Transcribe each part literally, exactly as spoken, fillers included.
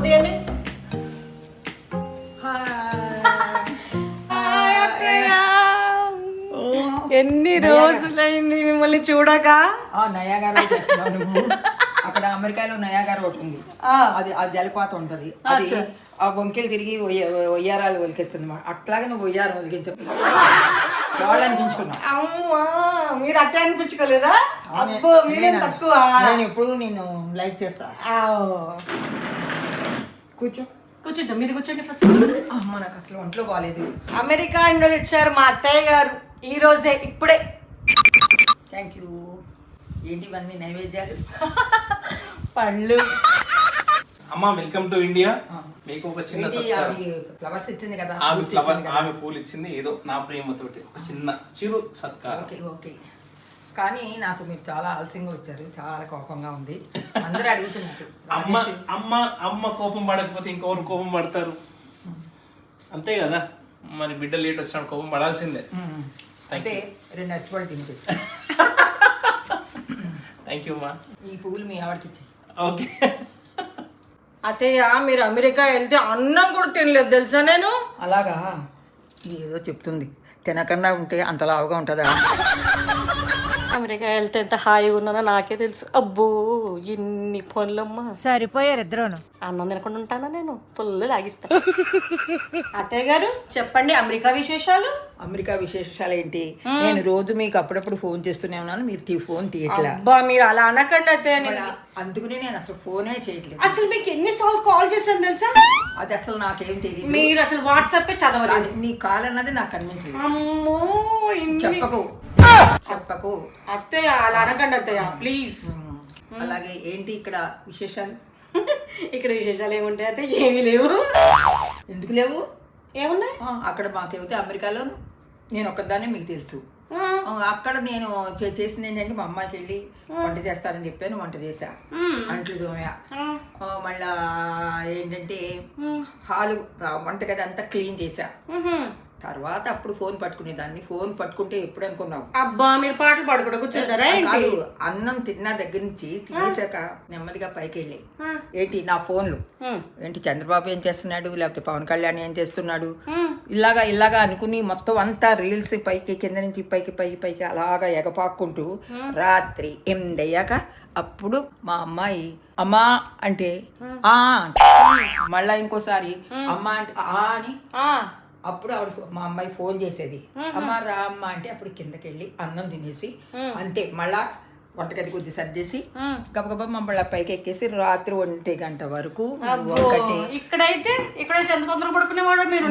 తీయండి. ఎన్ని రోజులైంది మిమ్మల్ని చూడక. నయాగారా చేస్తున్నావు నువ్వు. అక్కడ అమెరికాలో నయాగారా ఒకటి ఉంది, అది ఆ జలపాతం ఉంటది, అది ఆ వంకెలు తిరిగి ఒయ్యారాలు ఒలికిస్తుంది. అట్లాగే నువ్వు ఒయ్యారం ఒలికించ వాళ్ళు అనిపించుకున్నా. అమ్మా మీరు అట్టే అనిపించుకోలేదా? అబ్బో మీరేం తక్కువ. నేను ఎప్పుడు నేను లైక్ చేస్తా. కూర్చో కూర్చుంటా, మీరు కూర్చోండి ఫస్ట్. అమ్మ నాకు అసలు ఒంట్లో బాగాలేదు. అమెరికా నుండి వచ్చారు మా అత్తయ్య గారు ఈ రోజే, ఇప్పుడే. Thank you. ఏంటి ఇవన్నీ నైవేద్యాలు? పళ్ళు. అమ్మా వెల్కమ్ టు ఇండియా. మీకు ఒక చిన్న ఫ్లవర్స్ ఇచ్చింది కదా, ఆమె ఫ్లవర్ ఆమె పూలు ఇచ్చింది, ఏదో నా ప్రేమతోటి ఒక చిన్న చిరు సత్కారం. Okay okay. కానీ నాకు మీరు చాలా ఆలస్యంగా వచ్చారు, చాలా కోపంగా ఉంది. అందరూ అడుగుతున్నారు అమ్మ అమ్మ అమ్మ కోపం పడకపోతే ఇంకెవరు కోపం పడతారు? అంతే కదా, మరి బిడ్డ లేట్ వచ్చినప్పుడు కోపం పడాల్సిందే. అంటే రెండు అచ్చిపళ్ళు తింటే. థ్యాంక్ యూ అమ్మా. ఈ పువ్వులు మీ ఆవిడకి ఇచ్చాయి. ఓకే. అత్తయ్య మీరు అమెరికా వెళ్తే అన్నం కూడా తినలేదు తెలుసా నేను. అలాగా, ఇది ఏదో చెప్తుంది. తినకుండా ఉంటే అంత లావుగా ఉంటుందా? అమెరికా వెళ్తే ఎంత హాయిగా ఉన్నానో నాకే తెలుసు. అబ్బో ఇన్ని పనులమ్మా. సరిపోయారు ఇద్దరును. అన్నం తినకుండా ఉంటానా నేను? ఫుల్ లాగిస్తా. అత్తయ్య గారు చెప్పండి అమెరికా విశేషాలు. అమెరికా విశేషాలు ఏంటి? నేను రోజు మీకు అప్పుడప్పుడు ఫోన్ చేస్తూనే ఉన్నాను, మీరు ఫోన్ తీయట్లా. అబ్బా మీరు అలా అనకండి అత్తయ్య. అందుకనే నేను అసలు ఫోనే చేయట్లేదు. అసలు మీకు ఎన్నిసార్లు కాల్ చేశాను తెలుసా? అది అసలు నాకేం తెలియదు. మీరు అసలు వాట్సాప్ చదవలేదు. నీ కాల్ అన్నది నాకు కనిపించలేదు. అమ్మో చెప్పకు చెప్పకు అత్తయ్య, అలా అనకండి అత్తయ్య ప్లీజ్. అలాగే ఏంటి ఇక్కడ విశేషాలు? ఇక్కడ విశేషాలు ఏముంటాయి అత్తయ్య? ఏమీ లేవు. ఎందుకు లేవు? ఏమున్నాయి అక్కడ మాకేమితే అమెరికాలో నేను ఒక్కదాన్నే మీకు తెలుసు. అక్కడ నేను చేసింది ఏంటంటే మా అమ్మాయికి వెళ్ళి వంట చేస్తానని చెప్పాను, వంట చేశా, అంట్లు తోమా, మళ్ళా ఏంటంటే హాలు వంటగది అంతా క్లీన్ చేశా. తర్వాత అప్పుడు ఫోన్ పట్టుకునేదాన్ని. ఫోన్ పట్టుకుంటే ఎప్పుడు అనుకున్నావు? అబ్బా మీరు పాటలు పాడుకుంటూ కూర్చుంటారా? కాదు, అన్నం తిన్న దగ్గర నుంచి తినేసాక నెమ్మదిగా పైకి వెళ్ళి ఏంటి నా ఫోన్లు ఏంటి చంద్రబాబు ఏం చేస్తున్నాడు, లేకపోతే పవన్ కళ్యాణ్ ఏం చేస్తున్నాడు, ఇలాగా ఇలాగా అనుకుని మొత్తం అంతా రీల్స్ పైకి కింద నుంచి పైకి పైకి పైకి అలాగా ఎగపాక్కుంటూ రాత్రి ఎనిమిది అయ్యాక అప్పుడు మా అమ్మాయి అమ్మా అంటే ఆ, మళ్ళా ఇంకోసారి అమ్మ అంటే ఆ అని, అప్పుడు ఆవిడ మా అమ్మాయి ఫోన్ చేసేది, అమ్మ రా అమ్మ అంటే అప్పుడు కిందకి వెళ్ళి అన్నం తినేసి అంతే మళ్ళా వంటగది కొద్ది సర్దేసి గబగబా మమ్మల్ని పైకి ఎక్కేసి రాత్రి ఒంటి గంట వరకు. ఇక్కడైతే ఇక్కడైతే ఎంత తొందర పడుకునేవాడు మీరు?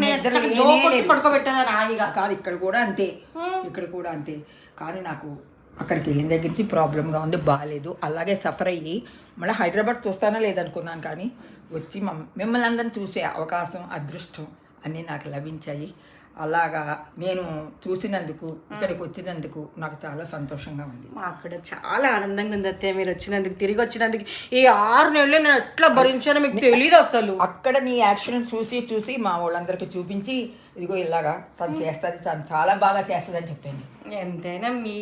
పడుకోబెట్టేదా? కాదు, ఇక్కడ కూడా అంతే, ఇక్కడ కూడా అంతే. కానీ నాకు అక్కడికి వెళ్ళిన దగ్గర నుంచి ప్రాబ్లంగా ఉంది, బాగాలేదు. అలాగే సఫర్ అయ్యి మళ్ళీ హైదరాబాద్ చూస్తానా లేదనుకున్నాను, కానీ వచ్చి మిమ్మల్ని అందరిని చూసే అవకాశం అదృష్టం అన్నీ నాకు లభించాయి. అలాగా నేను చూసినందుకు ఇక్కడికి వచ్చినందుకు నాకు చాలా సంతోషంగా ఉంది. మాకు కూడా చాలా ఆనందంగా ఉంది అత్తయ్య మీరు వచ్చినందుకు, తిరిగి వచ్చినందుకు. ఈ ఆరు నెలలు నేను ఎట్లా భరించానో మీకు తెలియదు అసలు. అక్కడ నీ యాక్షన్ చూసి చూసి మా వాళ్ళందరికీ చూపించి ఇదిగో ఇలాగా తను చేస్తుంది, తను చాలా బాగా చేస్తుంది అని చెప్పాను. ఎంతైనా మీ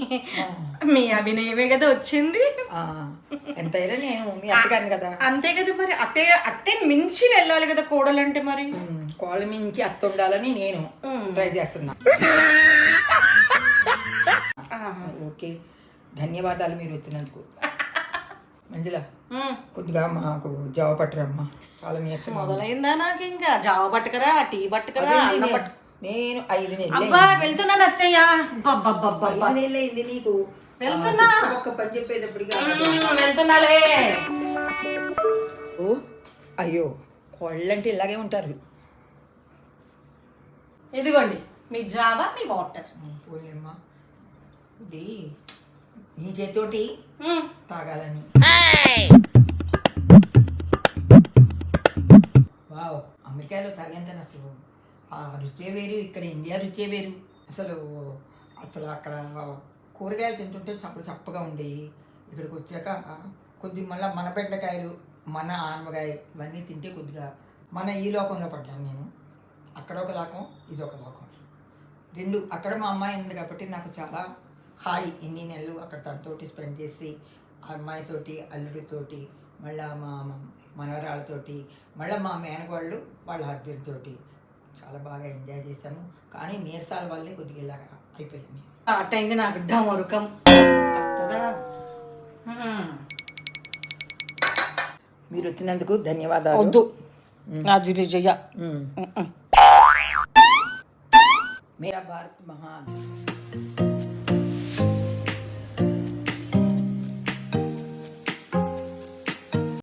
మీ అభినయమే కదా వచ్చింది. ఎంతైనా నేను మీ అత్తగారిని కదా. అంతే కదా మరి. అత్తయ్య అత్తయ్యని మించి వెళ్ళాలి కదా కోడలంటే. మరి కోళ్ళ మించి అత్త ఉండాలని నేను ట్రై చేస్తున్నా. ఓకే, ధన్యవాదాలు మీరు వచ్చినందుకు. మంజుల కొద్దిగా మాకు జావ పట్టరమ్మా, చాలా నీరసం మొదలైందా? నాకు ఇంకా జావ పట్టుకరా, టీ పట్టుకరా. నేను ఐదు నెలలు వెళ్తున్నాను అత్తయ్య. నెలలైంది నీకు. వెళ్తున్నా, ఒక్క పని చెప్పేటప్పటికి వెళ్తున్నాలే. ఓ అయ్యో, కోళ్ళంటే ఇలాగే ఉంటారు. ఇదిగోండి మీ జావా, మీ వాటర్. పోలేమ్మా, ఇది నీ చేతోటి తాగాలని. వావ్, అమెరికాలో తాగేంత అసలు ఆ రుచే వేరు, ఇక్కడ ఇండియా రుచే వేరు. అసలు అసలు అక్కడ కూరగాయలు తింటుంటే చప్ప చప్పగా ఉండేవి. ఇక్కడికి వచ్చాక కొద్ది మళ్ళీ మన బెండకాయలు, మన ఆనమకాయ ఇవన్నీ తింటే కొద్దిగా మన ఈ లోకంలో పడ్డాను నేను. అక్కడ ఒక లోకం, ఇది ఒక లోకం, రెండు. అక్కడ మా అమ్మాయి ఉంది కాబట్టి నాకు చాలా హాయి. ఇన్ని నెలలు అక్కడ తనతోటి స్పెండ్ చేసి ఆ అమ్మాయితోటి అల్లుడితోటి మళ్ళీ మా మనవరాళ్ళతోటి, మళ్ళీ మా మేనగోళ్ళు వాళ్ళ హస్బెండ్ తోటి చాలా బాగా ఎంజాయ్ చేశాము. కానీ నీరసాల వల్లే కొద్దిగా ఇలాగ అయిపోయింది. అట్టయింది నాకు డమరుకం కదా. మీరు వచ్చినందుకు ధన్యవాదాలు. వద్దు నాది చెయ్య. మేరా భారత్ మహాన్.